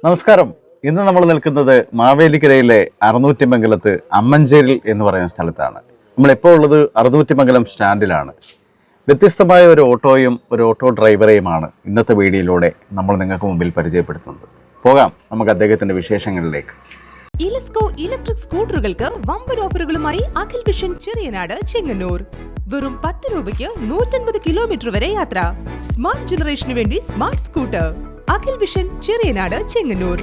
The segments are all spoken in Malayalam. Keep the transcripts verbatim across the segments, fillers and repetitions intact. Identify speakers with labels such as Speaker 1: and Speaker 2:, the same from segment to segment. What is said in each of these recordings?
Speaker 1: നമസ്കാരം. ഇന്ന് നമ്മൾ നിൽക്കുന്നത് മാവേലിക്കരയിലെ അറുന്നൂറ്റിമംഗലത്ത് അമ്മഞ്ചേരിൽ എന്ന് പറയുന്ന സ്ഥലത്താണ്. നമ്മളിപ്പോൾ ഉള്ളത് അറുന്നൂറ്റിമംഗലം സ്റ്റാൻഡിലാണ്. വ്യത്യസ്തമായ ഒരു ഓട്ടോയും ഒരു ഓട്ടോ ഡ്രൈവറെയുമാണ് ഇന്നത്തെ വീഡിയോയിലൂടെ നമ്മൾ നിങ്ങൾക്ക് മുമ്പിൽ പരിചയപ്പെടുത്തുന്നത്. പോകാം നമുക്ക് അദ്ദേഹത്തിന്റെ വിശേഷങ്ങളിലേക്ക്.
Speaker 2: ഇലസ്കോ ഇലക്ട്രിക് സ്കൂട്ടറുകൾക്ക് വമ്പൻ ഓഫറുകളുമായി അഖിൽ വിഷൻ ചെറിയനാട് ചെങ്ങന്നൂർ. വെറും പത്ത് രൂപയ്ക്ക് നൂറ്റൻപത് കിലോമീറ്റർ വരെ യാത്ര. സ്മാർട്ട് ജനറേഷന് വേണ്ടി smart scooter. Akhil vision Cheriyanad Chengannur.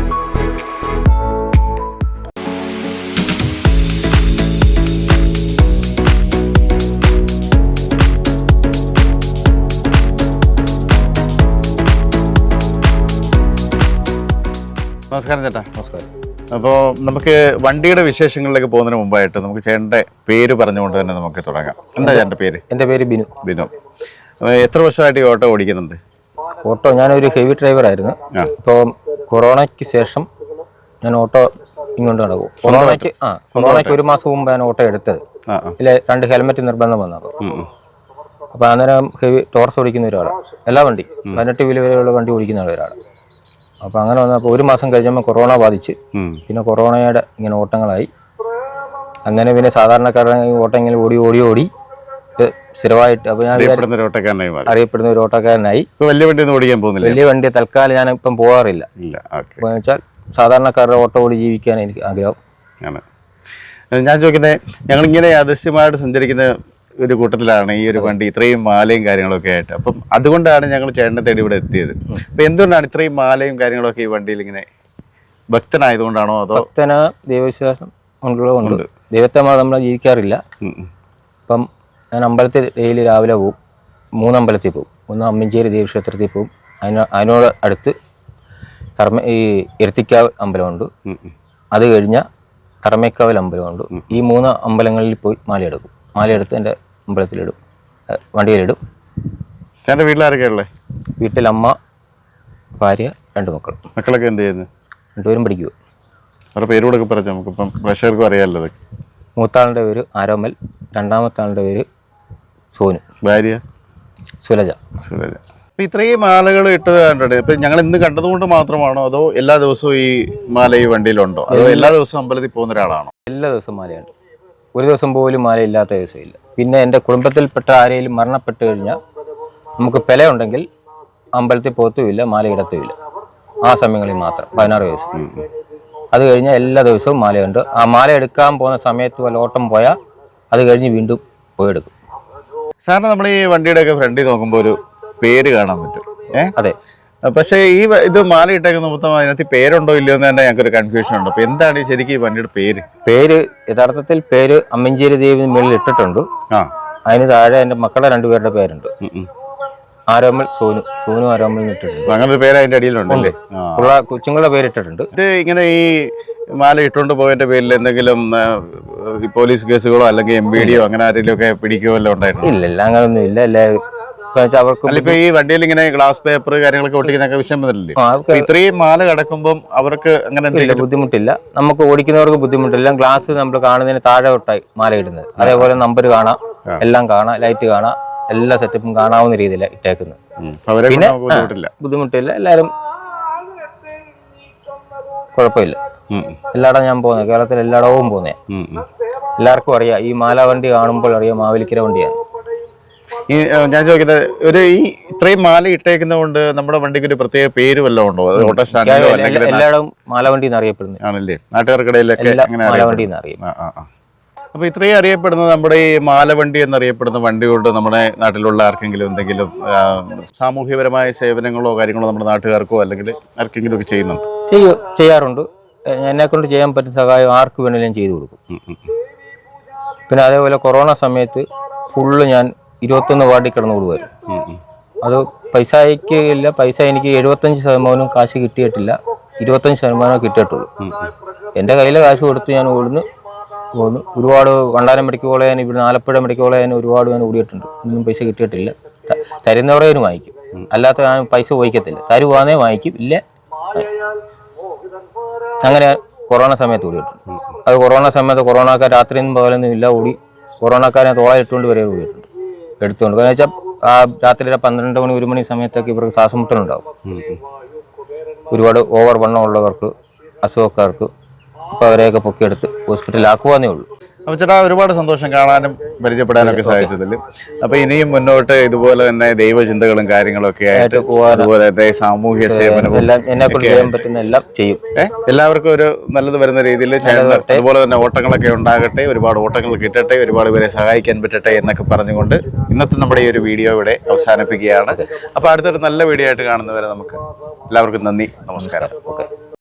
Speaker 1: നമസ്കാരം ചേട്ടാ. നമസ്കാരം. അപ്പോൾ നമുക്ക് വണ്ടിയുടെ വിശേഷങ്ങളിലേക്ക് പോകുന്നതിന് മുമ്പായിട്ട് നമുക്ക് ചേട്ടൻ്റെ പേര് പറഞ്ഞുകൊണ്ട് തന്നെ നമുക്ക് തുടങ്ങാം. എന്താ ചേട്ടൻ്റെ പേര്?
Speaker 3: എൻ്റെ പേര് ബിനു.
Speaker 1: ബിനു. എത്ര വർഷമായിട്ട് ഈ ഓട്ടോ ഓടിക്കുന്നുണ്ട്?
Speaker 3: ഓട്ടോ ഞാനൊരു ഹെവി ഡ്രൈവർ ആയിരുന്നു. ഇപ്പോൾ കൊറോണയ്ക്ക് ശേഷം ഞാൻ ഓട്ടോ ഇങ്ങോട്ട് നടക്കും. കൊറോണയ്ക്ക് ആ കൊറോണയ്ക്ക് ഒരു മാസം മുമ്പ് ഞാൻ ഓട്ടോ എടുത്തത്. ഇതിൽ രണ്ട് ഹെൽമെറ്റ് നിർബന്ധം വന്നപ്പോൾ അപ്പോൾ അന്നേരം ഹെവി ടോർസ് ഓടിക്കുന്ന ഒരാളാണ്. എല്ലാ വണ്ടി പതിനെട്ട് വീല് വരെയുള്ള വണ്ടി ഓടിക്കുന്ന ഒരാളാണ്. അപ്പോൾ അങ്ങനെ വന്നപ്പോൾ ഒരു മാസം കഴിഞ്ഞപ്പോൾ കൊറോണ ബാധിച്ച് പിന്നെ കൊറോണയുടെ ഇങ്ങനെ ഓട്ടങ്ങളായി. അങ്ങനെ പിന്നെ സാധാരണക്കാരുടെ ഓട്ടം ഇങ്ങനെ ഓടി ഓടി ഓടി സ്ഥിരമായിട്ട് അപ്പോൾ ഞാൻ അറിയപ്പെടുന്ന ഒരു ഓട്ടക്കാരനായി.
Speaker 1: വലിയ വണ്ടി ഒന്നും ഓടിക്കാൻ പോകുന്നില്ല.
Speaker 3: വലിയ വണ്ടി തൽക്കാലം ഞാൻ ഇപ്പം പോകാറില്ല. എന്ന് വെച്ചാൽ സാധാരണക്കാരുടെ ഓട്ടോ ഓടി ജീവിക്കാൻ എനിക്ക് ആഗ്രഹം.
Speaker 1: ഞാൻ ചോദിക്കുന്നത്, ഞങ്ങളിങ്ങനെ അദൃശ്യമായിട്ട് സഞ്ചരിക്കുന്ന ഒരു കൂട്ടത്തിലാണ് ഈ ഒരു വണ്ടി, ഇത്രയും മാലയും കാര്യങ്ങളൊക്കെ ആയിട്ട്. അപ്പം അതുകൊണ്ടാണ് ഞങ്ങൾ ചേട്ടനെ തേടി ഇവിടെ എത്തിയത്. അപ്പം എന്തുകൊണ്ടാണ് ഇത്രയും മാലയും കാര്യങ്ങളൊക്കെ ഈ വണ്ടിയിൽ ഇങ്ങനെ? ഭക്തനായതുകൊണ്ടാണോ അതോ?
Speaker 3: ഭക്തന ദൈവവിശ്വാസം ഉള്ളതുകൊണ്ട്. ദൈവത്തെ നമ്മൾ ജീവിക്കാറില്ല. അപ്പം ഞാൻ അമ്പലത്തിൽ ഡെയിലി രാവിലെ പോവും. മൂന്നമ്പലത്തിൽ പോവും. ഒന്ന് അമ്മഞ്ചേരി ദേവീക്ഷേത്രത്തിൽ പോവും. അതിന് അതിനോട് അടുത്ത് കർമ്മ ഈ എരുത്തിക്കാവ് അമ്പലമുണ്ട്. അത് കഴിഞ്ഞാൽ കർമ്മക്കാവൽ അമ്പലമുണ്ട്. ഈ മൂന്ന് അമ്പലങ്ങളിൽ പോയി മാലയെടുക്കും. മാലയെടുത്ത് എൻ്റെ അമ്പലത്തിലിടും, വണ്ടിയിലിടും.
Speaker 1: ചേട്ടൻ്റെ വീട്ടിലാരൊക്കെ ഉള്ളത്?
Speaker 3: വീട്ടിൽ അമ്മ, ഭാര്യ, രണ്ട് മക്കൾ.
Speaker 1: മക്കളൊക്കെ എന്ത് ചെയ്യുന്നു?
Speaker 3: രണ്ടുപേരും പഠിക്കുക.
Speaker 1: അവരുടെ പേരോടൊക്കെ പറഞ്ഞു നമുക്കിപ്പം പ്രേക്ഷകർക്കും അറിയാമല്ലോ.
Speaker 3: മൂത്താളുടെ പേര് ആരോമൽ, രണ്ടാമത്തെ ആളുടെ പേര് സോനു, ഭാര്യ സുലജ.
Speaker 1: സുലജ. അപ്പം ഇത്രയും മാലകൾ ഇട്ടത് കണ്ടിട്ട് ഇപ്പം ഞങ്ങൾ ഇന്ന് കണ്ടതുകൊണ്ട് മാത്രമാണോ അതോ എല്ലാ ദിവസവും ഈ മാല ഈ വണ്ടിയിലുണ്ടോ അതോ എല്ലാ ദിവസവും അമ്പലത്തിൽ പോകുന്ന ഒരാളാണോ?
Speaker 3: എല്ലാ ദിവസവും മാലയുണ്ട്. ഒരു ദിവസം പോലും മാലയില്ലാത്ത ദിവസമില്ല. പിന്നെ എൻ്റെ കുടുംബത്തിൽപ്പെട്ട ആരെങ്കിലും മരണപ്പെട്ട് കഴിഞ്ഞാൽ നമുക്ക് പെല ഉണ്ടെങ്കിൽ അമ്പലത്തിൽ പോത്തുമില്ല, മാലയിടത്തുമില്ല. ആ സമയങ്ങളിൽ മാത്രം പതിനാറ് ദിവസം. അത് കഴിഞ്ഞാൽ എല്ലാ ദിവസവും മാലയുണ്ട്. ആ മാല എടുക്കാൻ പോകുന്ന സമയത്ത് വല്ല ഓട്ടം പോയാൽ അത് കഴിഞ്ഞ് വീണ്ടും പോയി എടുക്കും.
Speaker 1: സാറിന് നമ്മൾ ഈ വണ്ടിയുടെയൊക്കെ ഫ്രണ്ടിൽ നോക്കുമ്പോൾ ഒരു പേര് കാണാൻ പറ്റും. ഏഹ് അതെ. പക്ഷേ ഈ ഇത് മാല ഇട്ടേക്കുന്ന മൊത്തം അതിനകത്ത് പേരുണ്ടോ ഇല്ലയോ എന്ന് തന്നെ ഞങ്ങൾക്ക് ഒരു കൺഫ്യൂഷൻ ഉണ്ട്. അപ്പൊ എന്താണ് ശരിക്കും ഈ വണ്ടിയുടെ പേര്?
Speaker 3: പേര് യഥാർത്ഥത്തിൽ പേര് അമ്മഞ്ചേരി ദേവി മേളിൽ ഇട്ടിട്ടുണ്ട്. ആ അതിന് താഴെ എൻ്റെ മക്കളുടെ രണ്ടുപേരുടെ പേരുണ്ട്. ആരോമൽ, സോനു. സോനു ആരോമൽ ഇട്ടിട്ടുണ്ട്.
Speaker 1: അങ്ങനെ ഒരു പേര് അതിന്റെ അടിയിലുണ്ടല്ലേ?
Speaker 3: കൊച്ചുങ്ങളുടെ പേര് ഇട്ടിട്ടുണ്ട്.
Speaker 1: ഇത് ഇങ്ങനെ ഈ മാല ഇട്ടുകൊണ്ട് പോയതിന്റെ പേരിൽ എന്തെങ്കിലും പോലീസ് കേസുകളോ അല്ലെങ്കിൽ എം ബി ഡിയോ അങ്ങനെ ആരെങ്കിലും ഒക്കെ പിടിക്കുകയല്ലോ ഉണ്ടായിരുന്നു?
Speaker 3: ഇല്ല ഇല്ല, അങ്ങനൊന്നും ഇല്ല. എല്ലാവരും
Speaker 1: അവർക്ക് ഈ വണ്ടിയിൽ ഇങ്ങനെ ഗ്ലാസ് പേപ്പർ കാര്യങ്ങളൊക്കെ ഒട്ടിക്കുന്നൊക്കെ വിഷയം വന്നില്ലേ? ഇത്രയും മാല കിടക്കുമ്പോൾ അവർക്ക് അങ്ങനെ
Speaker 3: ബുദ്ധിമുട്ടില്ല. നമുക്ക് ഓടിക്കുന്നവർക്ക് ബുദ്ധിമുട്ടില്ല. ഗ്ലാസ് നമ്മൾ കാണുന്നതിന് താഴെ തൊട്ടായി മാല ഇടുന്നത്. അതേപോലെ നമ്പർ കാണാം, എല്ലാം കാണാം, ലൈറ്റ് കാണാം, എല്ലാ സെറ്റപ്പും കാണാവുന്ന രീതിയിലാണ് ഇട്ടേക്കുന്നത്. പിന്നെ ബുദ്ധിമുട്ടില്ല. എല്ലാവരും കുഴപ്പമില്ല. എല്ലായിടം ഞാൻ പോകുന്നത്, കേരളത്തിൽ എല്ലായിടവും പോകുന്നേ. എല്ലാവർക്കും അറിയാം, ഈ മാല വണ്ടി കാണുമ്പോൾ അറിയാം മാവേലിക്കര വണ്ടിയാണ്.
Speaker 1: ഈ ഞാൻ ചോദിക്കുന്നത്, ഒരു ഈ ഇത്രയും മാല ഇട്ടേക്കുന്നത് കൊണ്ട് നമ്മുടെ വണ്ടിക്ക് ഒരു പ്രത്യേക പേര് വല്ലതും ഉണ്ടോ? ഓട്ടോ സ്റ്റാൻഡിലോ അല്ലെങ്കിൽ
Speaker 3: എല്ലായിടവും മാലവണ്ടി അറിയപ്പെടുന്നത്
Speaker 1: ആണല്ലേ? നാട്ടുകാർക്കിടയിലൊക്കെ
Speaker 3: മാലവണ്ടി അറിയും.
Speaker 1: അപ്പൊ ഇത്രയും അറിയപ്പെടുന്നത് നമ്മുടെ ഈ മാലവണ്ടി എന്നറിയപ്പെടുന്ന വണ്ടി കൊണ്ട് നമ്മുടെ നാട്ടിലുള്ള ആർക്കെങ്കിലും എന്തെങ്കിലും സാമൂഹ്യപരമായ സേവനങ്ങളോ കാര്യങ്ങളോ നമ്മുടെ നാട്ടുകാർക്കോ അല്ലെങ്കിൽ ആർക്കെങ്കിലും ഒക്കെ ചെയ്യുന്നുണ്ടോ?
Speaker 3: ചെയ്യും, ചെയ്യാറുണ്ട്. എന്നെ കൊണ്ട് ചെയ്യാൻ പറ്റുന്ന സഹായം ആർക്ക് വേണമെങ്കിലും ചെയ്തു കൊടുക്കും. പിന്നെ അതേപോലെ കൊറോണ സമയത്ത് ഫുള്ള് ഞാൻ ഇരുപത്തൊന്ന് വാർഡിൽ കിടന്നു കൊടുക്കുമായിരുന്നു. അത് പൈസയ്ക്ക് ഇല്ല. പൈസ എനിക്ക് എഴുപത്തഞ്ച് ശതമാനവും കാശ് കിട്ടിയിട്ടില്ല. ഇരുപത്തഞ്ച് ശതമാനം കിട്ടിയിട്ടുള്ളൂ. എൻ്റെ കയ്യിലെ കാശ് കൊടുത്ത് ഞാൻ ഓടുന്നു പോകുന്നു. ഒരുപാട് വണ്ടാനം മെഡിക്കൽ കോളേജിന്, ഇവിടെ ആലപ്പുഴ മെഡിക്കൽ കോളേജിന് ഒരുപാട് ഞാൻ ഓടിയിട്ടുണ്ട്. ഒന്നും പൈസ കിട്ടിയിട്ടില്ല. തരുന്നവരേനും വാങ്ങിക്കും, അല്ലാത്ത ഞാൻ പൈസ ഉപയോഗിക്കത്തില്ല. തരുവാന്നേ വാങ്ങിക്കും, ഇല്ല. അങ്ങനെ കൊറോണ സമയത്ത് ഓടിയിട്ടുണ്ട്. അത് കൊറോണ സമയത്ത് കൊറോണക്കാർ രാത്രിയൊന്നും പകലൊന്നും ഇല്ല ഓടി. കൊറോണക്കാരെ തോളായിട്ടുകൊണ്ട് വരെ ഓടിയിട്ടുണ്ട്, എടുത്തുകൊണ്ട്. കാരണം വെച്ചാൽ ആ രാത്രി പന്ത്രണ്ട് മണി ഒരു മണി സമയത്തൊക്കെ ഇവർക്ക് ശ്വാസമുട്ടലുണ്ടാവും. ഒരുപാട് ഓവർ വണ്ണം ഉള്ളവർക്ക്, അസുഖക്കാർക്ക് അപ്പോൾ അവരെയൊക്കെ പൊക്കിയെടുത്ത് ഹോസ്പിറ്റലിലാക്കുവാന്നേ ഉള്ളൂ.
Speaker 1: അപ്പോൾ ചേട്ടാ ഒരുപാട് സന്തോഷം കാണാനും പരിചയപ്പെടാനൊക്കെ സാധിച്ചതിൽ. അപ്പോൾ ഇനിയും മുന്നോട്ട് ഇതുപോലെ തന്നെ ദൈവചിന്തകളും കാര്യങ്ങളൊക്കെ ആയിട്ട് അതുപോലെ തന്നെ സാമൂഹ്യ സേവനവും
Speaker 3: എല്ലാം എന്നെ കൊണ്ട് ചെയ്യാൻ പറ്റുന്ന എല്ലാം ചെയ്യും.
Speaker 1: ഏഹ് എല്ലാവർക്കും ഒരു നല്ലത് വരുന്ന രീതിയിൽ അതുപോലെ തന്നെ ഓട്ടങ്ങളൊക്കെ ഉണ്ടാകട്ടെ, ഒരുപാട് ഓട്ടങ്ങൾ കിട്ടട്ടെ, ഒരുപാട് പേരെ സഹായിക്കാൻ പറ്റട്ടെ എന്നൊക്കെ പറഞ്ഞുകൊണ്ട് ഇന്നത്തെ നമ്മുടെ ഈ ഒരു വീഡിയോ ഇവിടെ അവസാനിപ്പിക്കുകയാണ്. അപ്പോൾ അടുത്തൊരു നല്ല വീഡിയോ ആയിട്ട് കാണുന്നവരെ നമുക്ക് എല്ലാവർക്കും നന്ദി, നമസ്കാരം.
Speaker 3: ഓക്കെ.